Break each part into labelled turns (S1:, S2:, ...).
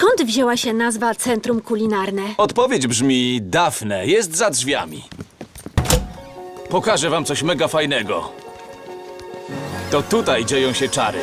S1: Skąd wzięła się nazwa Centrum Kulinarne?
S2: Odpowiedź brzmi Dafne, jest za drzwiami. Pokażę wam coś mega fajnego. To tutaj dzieją się czary.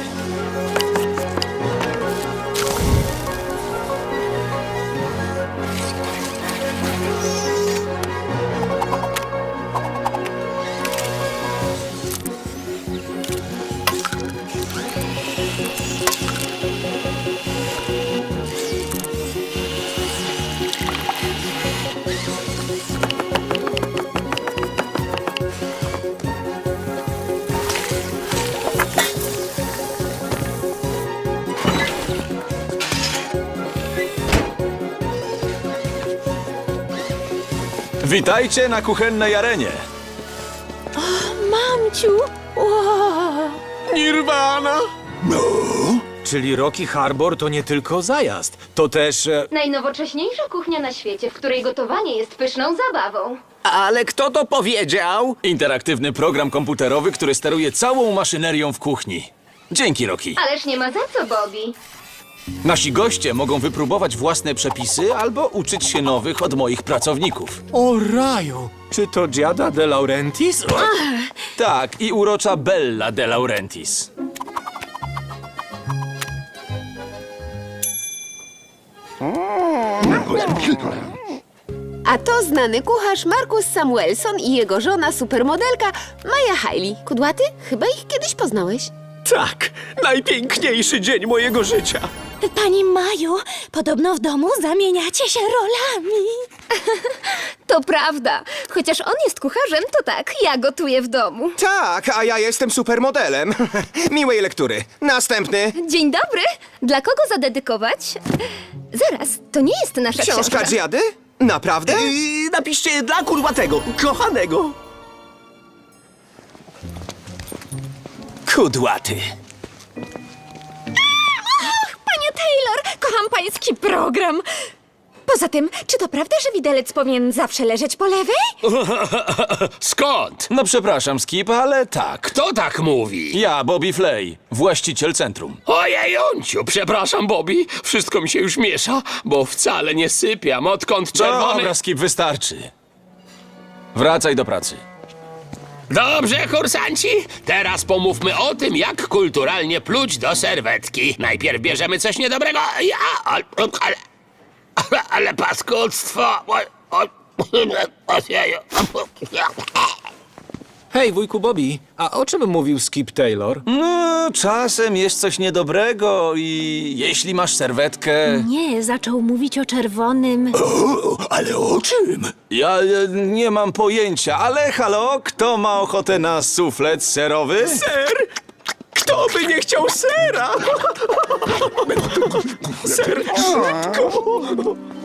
S2: Witajcie na kuchennej arenie.
S1: Mamciu! Wow.
S3: Nirvana! No? Czyli Rocky Harbor to nie tylko zajazd, to też...
S4: Najnowocześniejsza kuchnia na świecie, w której gotowanie jest pyszną zabawą.
S5: Ale kto to powiedział?
S2: Interaktywny program komputerowy, który steruje całą maszynerią w kuchni. Dzięki, Rocky.
S4: Ależ nie ma za co, Bobby.
S2: Nasi goście mogą wypróbować własne przepisy albo uczyć się nowych od moich pracowników.
S3: O raju! Czy to Giada de Laurentiis?
S2: Tak, i urocza Bella de Laurentiis.
S6: A to znany kucharz Marcus Samuelson i jego żona supermodelka Maja Hailey. Kudłaty? Chyba ich kiedyś poznałeś.
S5: Tak, najpiękniejszy dzień mojego życia.
S1: Pani Maju, podobno w domu zamieniacie się rolami.
S6: To prawda. Chociaż on jest kucharzem, to tak, ja gotuję w domu.
S7: Tak, a ja jestem supermodelem. Miłej lektury. Następny.
S6: Dzień dobry. Dla kogo zadedykować? Zaraz, to nie jest nasza
S7: Książka Giady? Naprawdę?
S5: Napiszcie dla kurwatego, kochanego.
S2: Kudłaty.
S1: Panie Taylor, kocham pański program. Poza tym, czy to prawda, że widelec powinien zawsze leżeć po lewej?
S8: Skąd?
S2: No przepraszam, Skip, ale tak.
S8: Kto tak mówi?
S2: Ja, Bobby Flay, właściciel centrum.
S8: Ojejunciu, przepraszam, Bobby. Wszystko mi się już miesza, bo wcale nie sypiam, odkąd czerwony...
S2: Dobra, Skip, wystarczy. Wracaj do pracy.
S8: Dobrze, kursanci. Teraz pomówmy o tym, jak kulturalnie pluć do serwetki. Najpierw bierzemy coś niedobrego. Ale paskudztwo...
S3: Hej, wujku Bobby, a o czym mówił Skip Taylor?
S2: No, czasem jest coś niedobrego i jeśli masz serwetkę...
S1: Nie, zaczął mówić o czerwonym.
S5: Ale o czym?
S2: Ja nie mam pojęcia, ale halo, kto ma ochotę na suflet serowy?
S5: Ser? Kto by nie chciał sera? Ser, szybko!